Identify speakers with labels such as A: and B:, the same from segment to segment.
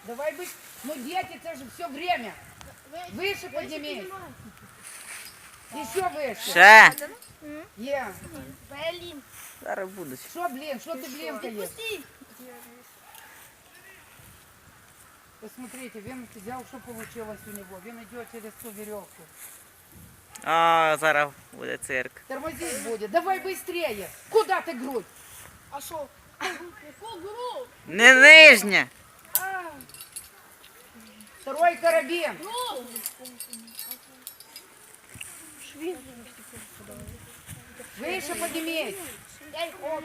A: Давай быть. Ну, дети, это же все время. Выше поднимись. Еще выше.
B: Ще.
A: Е.
C: Блин.
B: Зараз будуть.
A: Что, блин, что ты, блин, таешь? Посмотрите, Вен взял, что получилось у него. Вен идет через ту веревку.
B: А, зараз буде цирк.
A: Тормозить будет. Давай быстрее. Куда ты грудь?
C: А что? Какую гру?
B: Не нижня.
A: Второй карабин. Выше поднимись.
C: Дай хоп.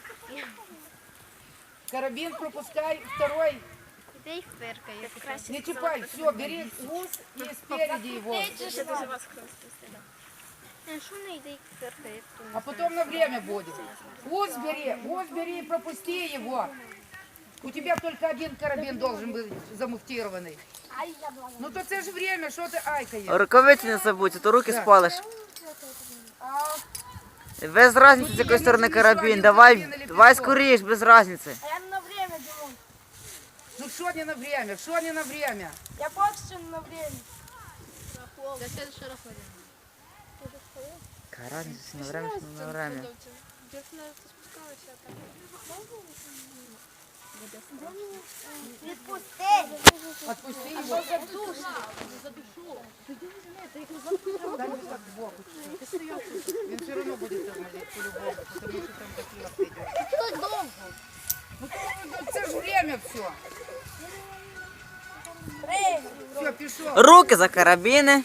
A: Карабин пропускай. Второй.
C: Дай фыркает.
A: Не чипай. Все, бери ус и спереди его.
C: Что не дай фыркает?
A: А потом на время будет. Ус бери и пропусти его. У тебя только один карабин должен быть замуфтированный. Ну то це ж время, що ти айкаєш?
B: Рукавиці не забудь, а то руки спалиш. Без різниці, з якої сторони карабін. Давай скоріш, без різниці.
C: А я на время, Димон.
A: Ну що не на время, що не на время?
C: Я просто на время. Да следующий раз
B: Яка різниця, на время, чи не на время.
A: Отпусти его. Дай мне так в бок. Он все равно будет тормозить по-любому, потому что там такие идет.
C: Что долго?
A: Ну це ж время все. Все, пішов.
B: Руки за карабіни.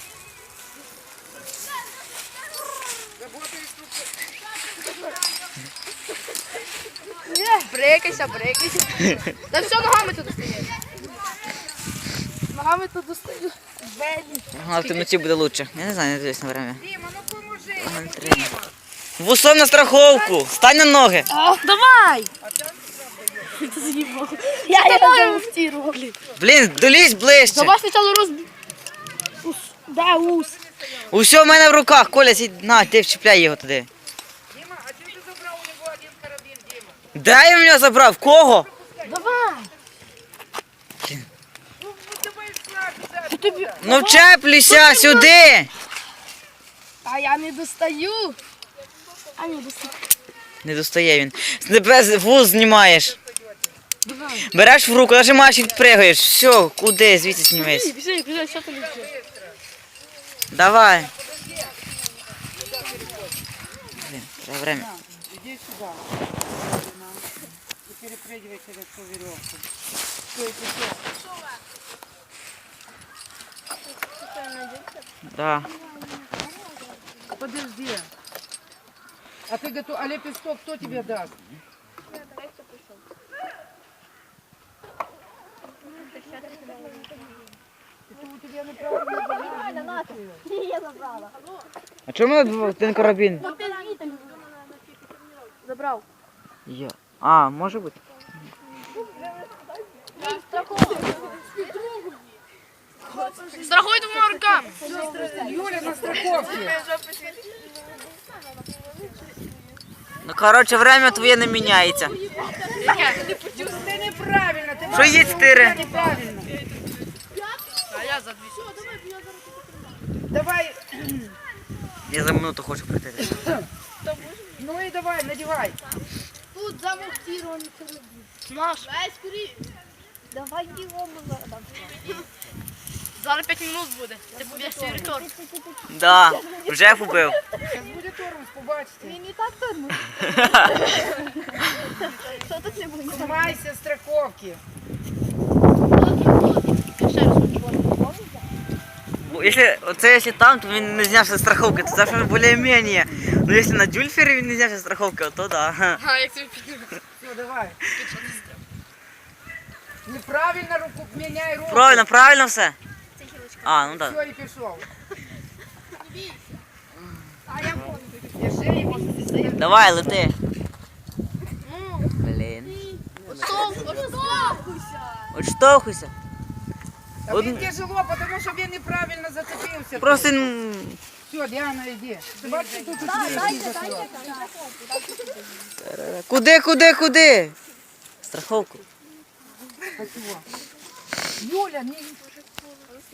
C: Брейкайся. Да все, ногами тут стоять. Ногами тут достаю.
B: Ага, в темноті буде лучше. Я не знаю, не дивлюсь на время.
A: Діма, ну поможи.
B: Ага, не треба. Вусом на страховку. Стань на ноги.
C: Давай! Я его муфтировал.
B: Блін, долізь ближче.
C: Давай сначала ус. Да, ус.
B: Усьо в мене в руках. Коля, сідь, на, ти вчіпляй його туди.
A: Дима, а чого ти забрав у нього один карабін, Дима?
B: Де він мене забрав? Кого?
C: Давай.
A: Ну давай слабше.
B: Ну вчеплюйся сюди.
C: А я не достаю. А не достаю.
B: Не достає він. З тебе вуз знімаєш. Береш в руку, нажимаєш і відпригаєш. Все, куди? Звідси знімись.
C: Бежи, что ты летишь?
B: Давай. Блін, треба время.
A: Иди сюда. И перепрыгивай через ту веревку. Все, и пішов.
B: Да.
A: Подожди. А ты готов? А лепесток кто тебе даст? Это у тебя неправильно.
C: Я забрала.
B: А чому в мене один карабін?
C: Забрал.
B: Є. А, може бути.
C: Страхуй двумя руками.
A: Юля на страховке.
B: Ну, коротше, время твоє не міняється.
A: Ты неправильно. Ты
B: Що є 4?
A: неправильно.
C: А я за 200.
A: Давай.
B: Я за минуту хочу прийти.
A: Ну и давай, надевай.
C: Тут замонтирован карабин. Наш. Давай скорее. Давай его Зараз 5 минут буде. Ти поб'єш свій рекорд.
B: Да, вже побив.
A: Сейчас будет тормоз, побачите.
C: Він і так тормоз. Що тут не буде?
A: Снимайся с страховки.
C: Ще раз
B: Якщо там, то він не знявся з страховки, то завжди більш-менш. Ну якщо на дюльфері він не знявся з страховки, то да.
C: А, як тобі підняв?
A: Все, давай. Неправильно руку, меняй руку.
B: Правильно все? А, ну так.
A: Все, и пішов.
C: А я понял.
A: Держи его.
B: Давай, лети. Блін. Отштовхуйся.
A: А мне тяжело, потому что я неправильно зацепился.
B: Просто
A: Все, Диана, иди. Ты бачишь, тут
B: куди? Страховку.
A: Спасибо. Юля, не...